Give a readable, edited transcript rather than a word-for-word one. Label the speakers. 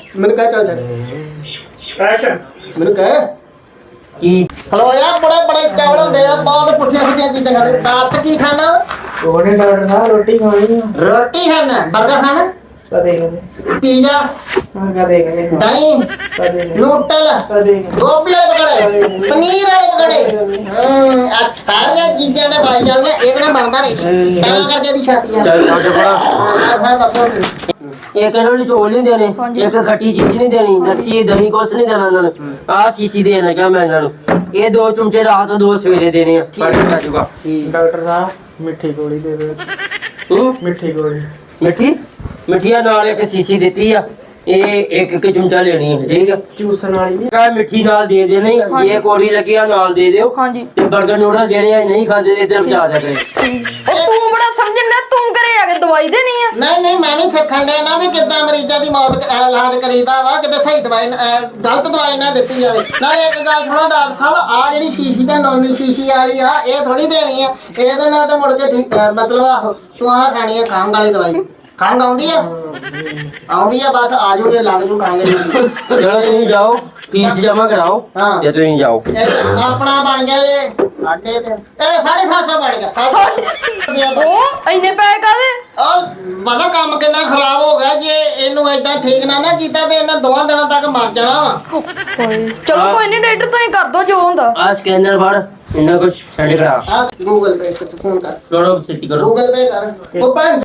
Speaker 1: ਮੈਨੂੰ ਕਹਿ ਚੱਲ ਚੱਲ
Speaker 2: ਐਕਸ਼ਨ
Speaker 1: ਮੈਨੂੰ ਕਹਿ
Speaker 3: ਕੀ
Speaker 1: ਹਲੋ ਯਾਰ ਬੜੇ ਬੜੇ ਚਾਵਲ ਹੁੰਦੇ ਆ ਬਹੁਤ ਪੁੱਠੀਆਂ ਪੁੱਠੀਆਂ ਚੀਜ਼ਾਂ ਖਾਂਦੇ ਦੱਸ ਕੀ ਖਾਣਾ
Speaker 2: ਉਹਨੇ ਡਾਕਟਰ ਸਾਹਿਬ ਰੋਟੀ ਖਾਣੀ ਆ
Speaker 1: ਰੋਟੀ ਖਾਣਾ 버ਗਰ ਖਾਣਾ
Speaker 2: ਕਦੇ ਕਦੇ
Speaker 1: ਪੀਜ਼ਾ
Speaker 2: ਹਾਂ ਕਦੇ ਕਦੇ
Speaker 1: ਦਹੀਂ
Speaker 2: ਕਦੇ
Speaker 1: ਨੂਡਲ
Speaker 2: ਕਦੇ
Speaker 1: ਗੋਭੀ ਵਾਲੇ ਪਕੜੇ ਪਨੀਰ ਵਾਲੇ ਪਕੜੇ ਆ ਸਾਰੀਆਂ ਚੀਜ਼ਾਂ ਦੇ ਬਾਈ ਜਾਂਦੀਆਂ ਇਹਦੇ ਨਾਲ ਬਣਦਾ ਨਹੀਂ ਤਾਂ ਕਰਕੇ ਦੀ ਛਾਤੀ ਆ
Speaker 3: ਚੱਲ ਛੱਡ ਪੜਾ
Speaker 1: ਹਾਂ ਦੱਸੋ
Speaker 3: ਇੱਕ ਇਹਨਾਂ ਨੂੰ ਚੋਲ ਨਹੀਂ ਦੇਣੇ ਇੱਕ ਖੱਟੀ ਚੀਜ਼ ਨਹੀਂ ਦੇਣੀ ਲੱਸੀ ਦਹੀਂ ਕੁਛ ਨਹੀਂ ਦੇਣਾ ਇਹਨਾਂ ਨੂੰ ਆਹ ਸ਼ੀਸ਼ੀ ਦੇਣਾ ਕਿਹਾ ਮੈਂ ਇਹਨਾਂ ਨੂੰ ਇਹ 2 ਚਮਚੇ ਰਾਤ ਨੂੰ 2 ਸਵੇਰੇ ਦੇਣੇ ਆ ਪੜ ਜਾਊਗਾ
Speaker 2: ਡਾਕਟਰ ਸਾਹਿਬ ਮਿੱਠੀ ਗੋਲੀ ਦੇ ਦੇ
Speaker 3: ਤੂੰ
Speaker 2: ਮਿੱਠੀ ਗੋਲੀ
Speaker 3: ਮਿੱਠੀਆਂ ਨਾਲ ਇੱਕ ਸ਼ੀਸ਼ੀ ਦਿੱਤੀ ਆ ਇਹ ਇੱਕ ਚਮਚਾ ਲੈਣੀ ਹੈ ਠੀਕ ਹੈ
Speaker 2: ਚੂਸਣ ਵਾਲੀ ਨਹੀਂ
Speaker 3: ਕਾ ਮਿੱਠੀ ਨਾਲ ਦੇ ਦੇਣੀ ਇਹ ਕੋੜੀ ਲੱਗਿਆ ਨਾਲ ਦੇ ਦਿਓ
Speaker 4: ਹਾਂਜੀ
Speaker 3: ਤੇ 버ਗਰ ਨੂਡਲ ਜਿਹੜੇ ਆ ਨਹੀਂ ਖਾਂਦੇ ਤੇ ਇੱਧਰ ਪਹੁੰਚਾ ਦਿਆ ਕਰੇ
Speaker 4: ਉਹ ਤੂੰ ਬੜਾ ਸਮਝਣ ਡਿਆ ਤੂੰ ਘਰੇ ਆ ਕੇ ਦਵਾਈ ਦੇਣੀ ਆ
Speaker 1: ਨਹੀਂ ਨਹੀਂ ਮੈਂ ਵੀ ਸਿੱਖਣ ਡਿਆ ਨਾ ਵੀ ਕਿੱਦਾਂ ਮਰੀਜ਼ਾਂ ਦੀ ਮੌਤ ਇਲਾਜ ਕਰੀਦਾ ਵਾ ਕਿਤੇ ਸਹੀ ਦਵਾਈ ਗਲਤ ਦਵਾਈ ਨਾ ਦਿੱਤੀ ਜਾਵੇ ਨਾਲੇ ਇੱਕ ਗੱਲ ਸੁਣੋ ਡਾਕਟਰ ਸਾਹਿਬ ਆ ਜਿਹੜੀ ਸ਼ੀਸ਼ੀ ਤੇ ਨੋਨੀ ਸ਼ੀਸ਼ੀ ਵਾਲੀ ਆ ਇਹ ਥੋੜੀ ਦੇਣੀ ਆ ਇਹਦੇ ਨਾਲ ਤਾਂ ਮੁੜ ਕੇ ਠੀਕ ਮਤਲਬ ਆਹੋ ਤੂੰ ਆ ਖਾਣੀ ਆ ਖੰਘ ਵਾਲੀ ਦਵਾਈ ਖੰਘ ਆਉਂਦੀ ਆ ਬਸ ਆ ਜਾਓਗੇ ਲੱਗ ਜੂ ਖਾਂਗੇ
Speaker 3: ਚਲੋ ਤੁਸੀਂ ਜਾਓ ਫੀਸ ਜਮਾ ਕਰਾਓ
Speaker 1: ਹਾਂ।
Speaker 3: ਤੇ ਤੁਸੀਂ ਜਾਓ
Speaker 1: ਆਪਣਾ ਬਣ ਗਿਆ ਇਹ ਸਾਡੇ ਤੇ ਇਹ 750 ਬਣ ਗਿਆ
Speaker 4: ਉਹ ਇੰਨੇ ਪੈਸੇ ਕਾਦੇ
Speaker 1: ਉਹ ਪਤਾ ਕੰਮ ਕਿੰਨਾ ਖਰਾਬ ਹੋ ਗਿਆ ਜੇ ਇਹਨੂੰ ਏਦਾਂ ਠੀਕ ਨਾ ਕੀਤਾ ਤੇ ਇਹਨਾਂ 2 ਦਿਨਾਂ ਤੱਕ ਮਰ ਜਾਣਾ ਵਾ
Speaker 4: ਚਲੋ ਕੋਈ ਨਹੀਂ ਡਾਕਟਰ ਤੁਸੀਂ ਕਰ ਦੋ ਜੋ ਹੁੰਦਾ
Speaker 3: ਆ ਸਕੈਨਰ ਫੜ ਇਹਨਾਂ ਕੁਝ ਸੈਂਡ ਕਰਾ
Speaker 1: ਆ ਗੂਗਲ ਪੇ ਤੇ ਫੋਨ ਕਰ
Speaker 3: ਕਰੋ ਸਿੱਟੀ ਕਰੋ
Speaker 1: ਗੂਗਲ ਪੇ ਕਰ ਉਹ ਭੈਣ